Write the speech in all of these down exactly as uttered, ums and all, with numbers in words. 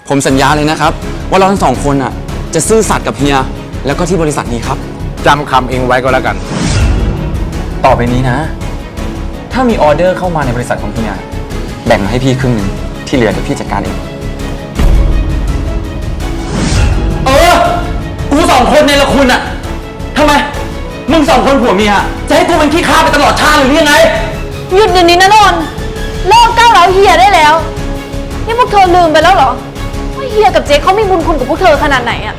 ผมสัญญาเลยนะครับว่าเราทั้งสองคนอ่ะจะซื่อสัตย์กับเฮียแล้วก็ที่บริษัทนี้ครับจำคำเองไว้ก็แล้วกันต่อไปนี้นะถ้ามีออเดอร์เข้ามาในบริษัทของเฮียแบ่งมาให้พี่ครึ่งหนึ่งที่เหลือเดี๋ยวพี่จัดการเองเออกูสองคนในละคุณอ่ะทำไมมึงสองคนผัวเมียจะให้กูเป็นขี้ข้าไปตลอดชาติหรือยังไงหยุดเดี๋ยวนี้นะนนท์เลิกก้าวร้าวเฮียได้แล้วนี่พวกเธอลืมไปแล้วเหรอว่าเฮียกับเจ๊เขามีบุญคุณกับพวกเธอขนาดไหนอะ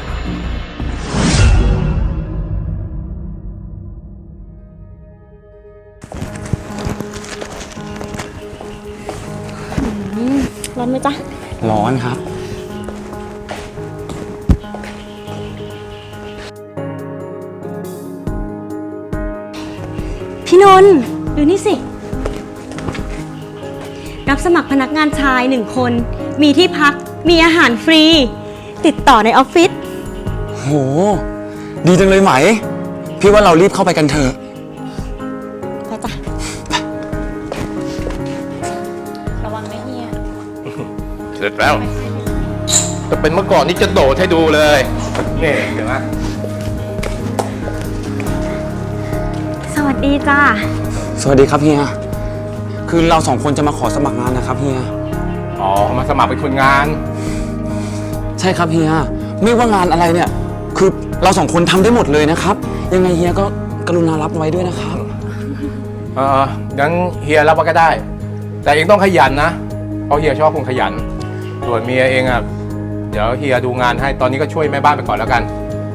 ร้อนไหมจ๊ะร้อนครับพี่นนท์ดูนี่สิรับสมัครพนักงานชายหนึ่งคนมีที่พักมีอาหารฟรีติดต่อในออฟฟิศโหดีจังเลยไหมพี่ว่าเรารีบเข้าไปกันเถอะไปจ้ะระวังนะเฮียเสร็จแล้วจะเป็นเมื่อก่อนนี่จะโดดให้ดูเลยนี่เห็นไหมสวัสดีจ้าสวัสดีครับเฮียคือเราสองคนจะมาขอสมัครงานนะครับเฮียอ๋อมาสมัครเป็นคนงานใช่ครับเฮียไม่ว่างานอะไรเนี่ยคือเราสองคนทำได้หมดเลยนะครับยังไงเฮียก็กรุณารับไว้ด้วยนะครับเอองั้นเฮียรับไว้ก็ได้แต่เองต้องขยันนะเพราะเฮียชอบคนขยันส่วนเมียเองอ่ะเดี๋ยวเฮียดูงานให้ตอนนี้ก็ช่วยแม่บ้านไปก่อนแล้วกัน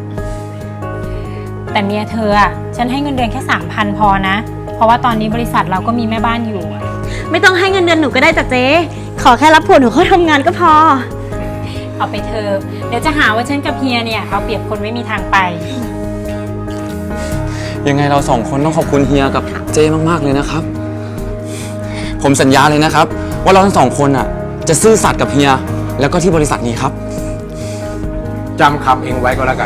แต่เมียเธออ่ะฉันให้เงินเดือนแค่สามพันพอนะเพราะว่าตอนนี้บริษัทเราก็มีแม่บ้านอยู่ไม่ต้องให้เงินเดือนหนูก็ได้จ้ะเจ๊ขอแค่รับผัวหนูเข้าทำงานก็พอเอาไปเธอเดี๋ยวจะหาว่าฉันกับเฮียเนี่ยเอาเปรียบคนไม่มีทางไปยังไงเราสองคนต้องขอบคุณเฮียกับเจ้มากๆเลยนะครับผมสัญญาเลยนะครับว่าเราทั้งสองคนอ่ะจะซื่อสัตย์กับเฮียแล้วก็ที่บริษัทนี้ครับจำคำเองไว้ก็แล้วกัน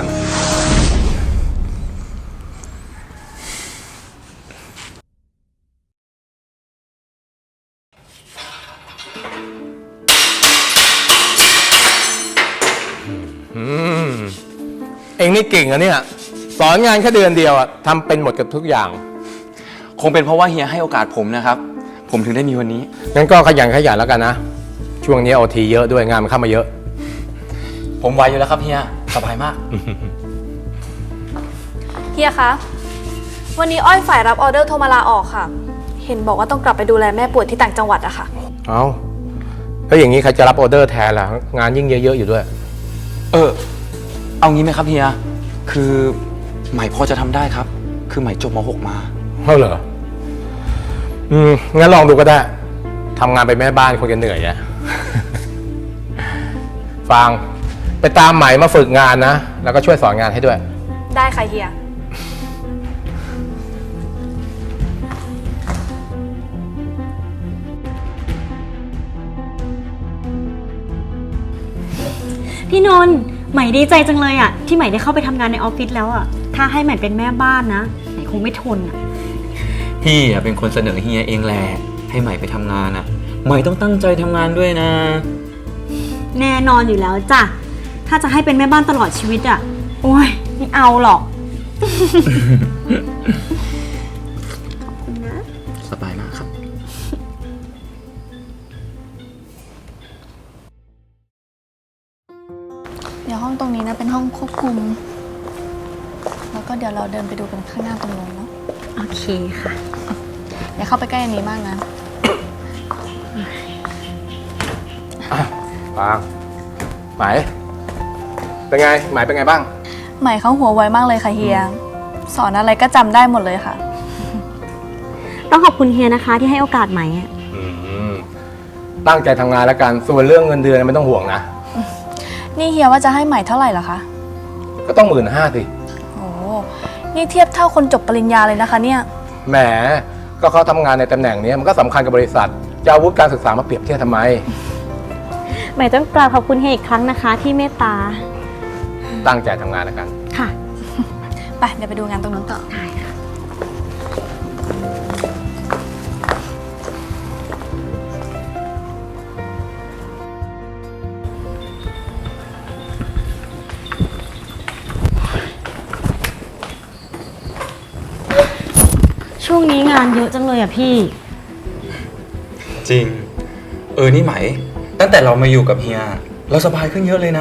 เองนี่เก่งอะเนี่ยสอนงานแค่เดือนเดียวอะทำเป็นหมดกับทุกอย่างคงเป็นเพราะว่าเฮียให้โอกาสผมนะครับผมถึงได้มีวันนี้งั้นก็ขยันขยันแล้วกันนะช่วงนี้โอทีเยอะด้วยงานมันเข้ามาเยอะผมไวอยู่แล้วครับเฮียสบายมากเฮียคะวันนี้อ้อยฝ่ายรับออเดอร์โทรมาลาออกค่ะเห็นบอกว่าต้องกลับไปดูแลแม่ป่วยที่ต่างจังหวัดอะค่ะเอาแล้วอย่างนี้ใครจะรับออเดอร์แทนล่ะงานยิ่งเยอะๆอยู่ด้วยเออเอางี้ไหมครับเฮียคือใหม่พอจะทำได้ครับคือใหม่จบม หก มาเท่าเหรออืมงั้นลองดูก็ได้ทำงานไปแม่บ้านคงจะเหนื่อยอะฟังไปตามใหม่มาฝึกงานนะแล้วก็ช่วยสอนงานให้ด้วยได้ค่ะเฮียพี่นนท์ใหม่ดีใจจังเลยอ่ะที่ใหม่ได้เข้าไปทำงานในออฟฟิศแล้วอ่ะถ้าให้ใหม่เป็นแม่บ้านนะใหม่คงไม่ทนอ่ะพี่อ่ะเป็นคนเสนอเฮียเองแหละให้ใหม่ไปทำงานอ่ะใหม่ต้องตั้งใจทำงานด้วยนะแน่นอนอยู่แล้วจ้ะถ้าจะให้เป็นแม่บ้านตลอดชีวิตอ่ะโอ้ยไม่เอาหรอกขอบคุณนะสบายมากครับเดี๋ยวห้องตรงนี้นะเป็นห้องควบคุมแล้วก็เดี๋ยวเราเดินไปดูกันข้างหน้าตรงนู้นเนาะโอเคค่ะอย่าเข้าไปใกล้อันนี้มากนะฟังหมายเป็นไงหมายเป็นไงบ้างหมายเขาหัวไวมากเลยค่ะเฮียสอนอะไรก็จำได้หมดเลยค่ะต้องขอบคุณเฮียนะคะที่ให้โอกาสใหม่ตั้งใจทำงานแล้วกันส่วนเรื่องเงินเดือนไม่ต้องห่วงนะนี่เฮียว่าจะให้ใหม่เท่าไหร่เหรอคะก็ต้องหมื่นห้าสิโอ้นี่เทียบเท่าคนจบปริญญาเลยนะคะเนี่ยแหมก็เขาทำงานในตำแหน่งนี้มันก็สำคัญกับบริษัทจะเอาวุฒิการศึกษามาเปรียบเทียบทำไมใหม่ต้องกราบขอบคุณเฮียอีกครั้งนะคะที่เมตตาตั้งใจทำงานแล้วกันค่ะไปเดี๋ยวไปดูงานตรงนู้นต่อได้ค่ะช่วงนี้งานเยอะจังเลยอะพี่จริง เออ นี่ไหม ตั้งแต่เรามาอยู่กับเฮีย เราสบายขึ้นเยอะเลยนะ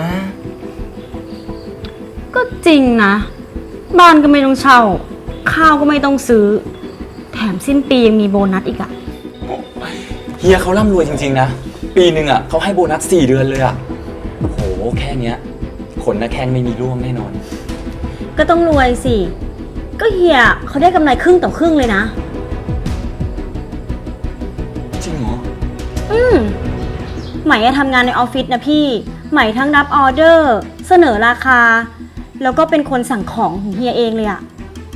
ก็จริงนะ บ้านก็ไม่ต้องเช่า ข้าวก็ไม่ต้องซื้อ แถมสิ้นปียังมีโบนัสอีกอะเฮียเขาร่ำรวยจริงๆนะ ปีหนึ่งอ่ะเขาให้โบนัสสี่เดือนเลยอ่ะโห แค่เนี้ยขนหน้าแข้งไม่มีร่วงแน่นอนก็ต้องรวยสิ ก็เฮียเขาได้กำไรครึ่งต่อครึ่งเลยนะจริงเหรออืมไหมอะทำงานในออฟฟิศนะพี่ ไหมทั้งรับออเดอร์ เสนอราคา แล้วก็เป็นคนสั่งของของเฮียเองเลยอะ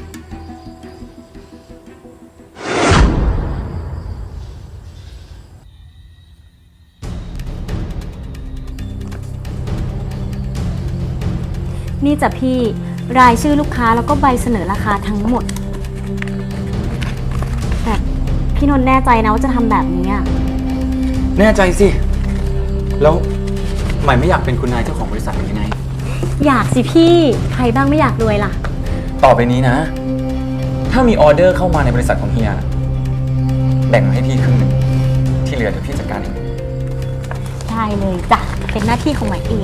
นี่จ้ะพี่ รายชื่อลูกค้าแล้วก็ใบเสนอราคาทั้งหมด แต่พี่นนท์แน่ใจนะว่าจะทำแบบนี้อะแน่ใจสิ แล้วใหม่ไม่อยากเป็นคุณนายเจ้าของบริษัทหรือยังไงอยากสิพี่ ใครบ้างไม่อยากรวยล่ะต่อไปนี้นะ ถ้ามีออเดอร์เข้ามาในบริษัทของเฮีย แบ่งมาให้พี่ครึ่งหนึ่ง ที่เหลือเดี๋ยวพี่จัดการเองได้เลยจ้ะ เป็นหน้าที่ของไหมเอง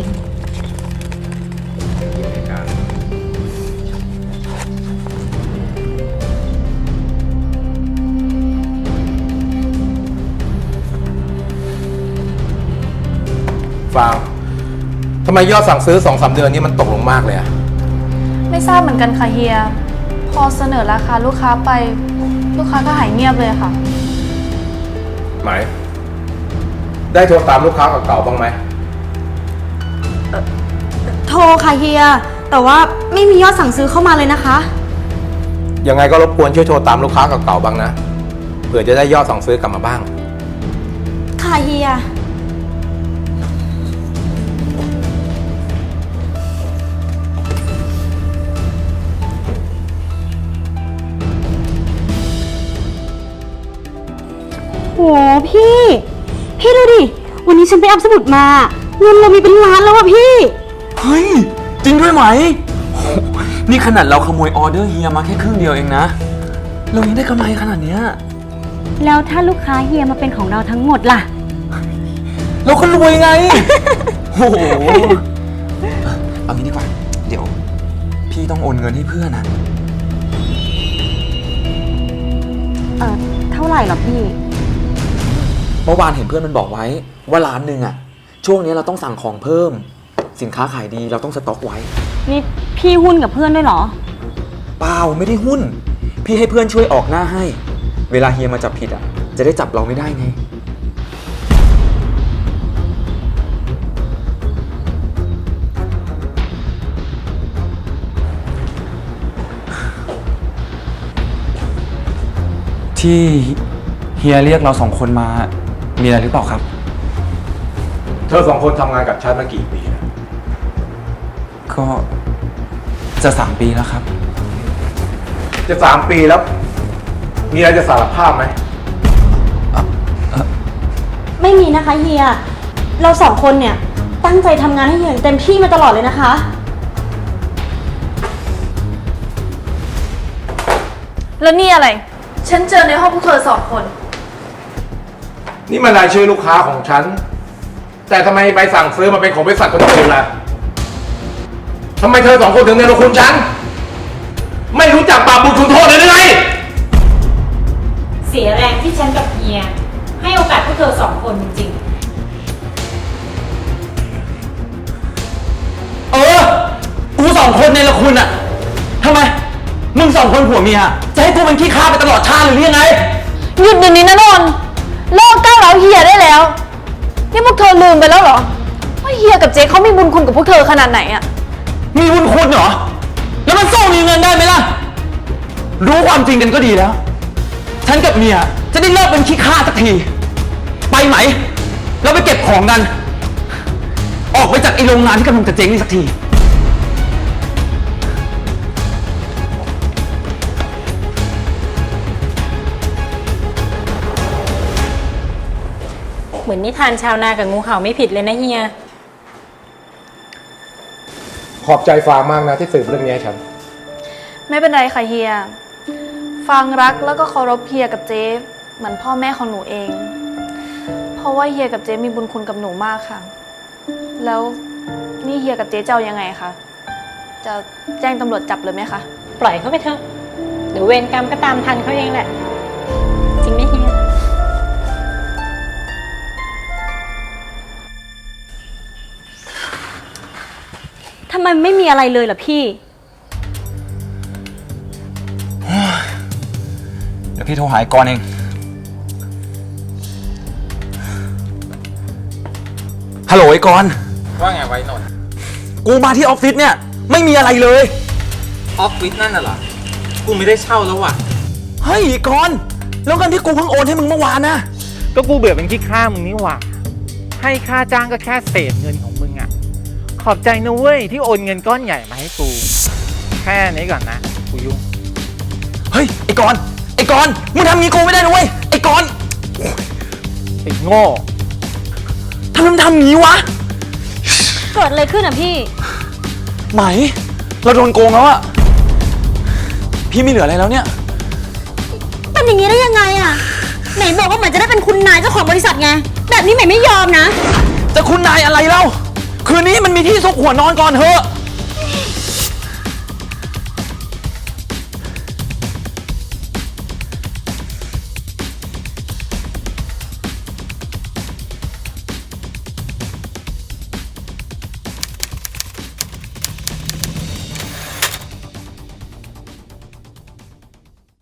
ฟางทำไมยอดสั่งซื้อสองสามเดือนนี้มันตกลงมากเลยอะไม่ทราบเหมือนกันค่ะเฮีย พอเสนอราคาลูกค้าไป ลูกค้าก็หายเงียบเลยค่ะไหม ได้โทรตามลูกค้าเก่าๆบ้างไหมโทรค่ะเฮีย แต่ว่าไม่มียอดสั่งซื้อเข้ามาเลยนะคะยังไงก็รบกวนช่วยโทรตามลูกค้าเก่าๆบ้างนะ เผื่อจะได้ยอดสั่งซื้อกลับมาบ้างค่ะเฮีย โหพี่ พี่ดูดิ วันนี้ฉันไปอัพสมุดมา เงินเรามีเป็นล้านแล้วอะพี่เฮ้ย จริงด้วยไหมโหนี่ขนาดเราขโมยออเดอร์เฮียมาแค่ครึ่งเดียวเองนะ เรายังได้กำไรขนาดเนี้ยแล้วถ้าลูกค้าเฮียมาเป็นของเราทั้งหมดล่ะเราก็รวยไง โอ้โห เอางี้ดีกว่า เดี๋ยว พี่ต้องโอนเงินให้เพื่อนนะเออเท่าไหร่หรอพี่เมื่อวานเห็นเพื่อนมันบอกไว้ว่าร้านหนึ่งอะช่วงนี้เราต้องสั่งของเพิ่ม สินค้าขายดีเราต้องสต็อกไว้นี่พี่หุ้นกับเพื่อนด้วยเหรอเปล่าไม่ได้หุ้น พี่ให้เพื่อนช่วยออกหน้าให้ เวลาเฮียมาจับผิดอะจะได้จับเราไม่ได้ไง ที่เฮียเรียกเราสองคนมามีอะไรหรือเปล่าครับเธอสองคนทำงานกับฉันมากี่ปีแล้วก็จะสามปีแล้วครับจะสามปีแล้ว มีอะไรจะสารภาพไหมไม่มีนะคะเฮีย เราสองคนเนี่ยตั้งใจทำงานให้เฮียอย่างเต็มที่มาตลอดเลยนะคะแล้วนี่อะไร ฉันเจอในห้องพวกเธอสองคนนี่มันรายชื่อลูกค้าของฉัน แต่ทำไมใบสั่งซื้อมาเป็นของบริษัทคนอื่นล่ะทำไมเธอสองคนถึงเนรคุณฉัน ไม่รู้จักบาปบุญคุณโทษเลยหรือไงเสียแรงที่ฉันกับเฮีย ให้โอกาสพวกเธอสองคนจริงเออ กูสองคนในละคุณอะทำไม มึงสองคนผัวเมียจะให้กูเป็นขี้ข้าไปตลอดชาติหรือยังไงหยุดเดี๋ยวนี้นะนนท์เลิกก้าวร้าวเฮียได้แล้ว นี่พวกเธอลืมไปแล้วเหรอ ว่าเฮียกับเจ๊เขามีบุญคุณกับพวกเธอขนาดไหนอะมีบุญคุณเหรอ แล้วมันสู้มีเงินได้ไหมล่ะ รู้ความจริงกันก็ดีแล้ว ฉันกับเมียจะได้เลิกเป็นขี้ข้าสักที ไปไหม เราไปเก็บของกัน ออกไปจากไอ้โรงงานที่กำลังจะเจ๊งนี่สักทีๆ เหมือนนิทานชาวนากับงูเห่าไม่ผิดเลยนะเฮียขอบใจฟางมากนะที่สืบเรื่องนี้ให้ฉันไม่เป็นไรค่ะเฮียฟังรักแล้วก็เคารพเฮียกับเจ๊เหมือนพ่อแม่ของหนูเอง เพราะว่าเฮียกับเจ๊มีบุญคุณกับหนูมากค่ะ แล้วนี่เฮียกับเจ๊จะเอายังไงคะจะแจ้งตำรวจจับเลยไหมคะปล่อยเขาไปเถอะเดี๋ยวเวรกรรมก็ตามทันเขาเองแหละ จริงไหมเฮียทำไมไม่มีอะไรเลยล่ะพี่เดี๋ยวพี่โทรหาไอ้กรณ์เอง ฮัลโหลไอ้กรณ์ว่าไงไว้นนท์กูมาที่ออฟฟิศเนี่ย ไม่มีอะไรเลยออฟฟิศนั่นน่ะเหรอ กูไม่ได้เช่าแล้วว่ะเฮ้ยไอ้กรณ์แล้วเงินที่กูเพิ่งโอนให้มึงเมื่อวานนะก็กูเบื่อเป็นขี้ข้ามึงนี่หว่า ให้ค่าจ้างก็แค่เศษเงินของมึงอ่ะ ขอบใจนะเว้ยที่โอนเงินก้อนใหญ่มาให้กู แค่นี้ก่อนนะ กูยุ่งเฮ้ยไอ้กรณ์ไอ้กรณ์มึงทำงี้กูไม่ได้นะเว้ย ไอ้กรณ์ไอ้โง่ทำไมมึงทำงี้วะเกิดอะไรขึ้นอ่ะพี่ไหม เราโดนโกงแล้วอะพี่ไม่เหลืออะไรแล้วเนี่ยเป็นอย่างนี้ได้ยังไงอ่ะ ไหนบอกว่าเหมือนจะได้เป็นคุณนายเจ้าของบริษัทไง แบบนี้ใหม่ไม่ยอมนะจะคุณนายอะไรเล่า คืนนี้มันมีที่ซุกหัวนอนก่อนเถอะ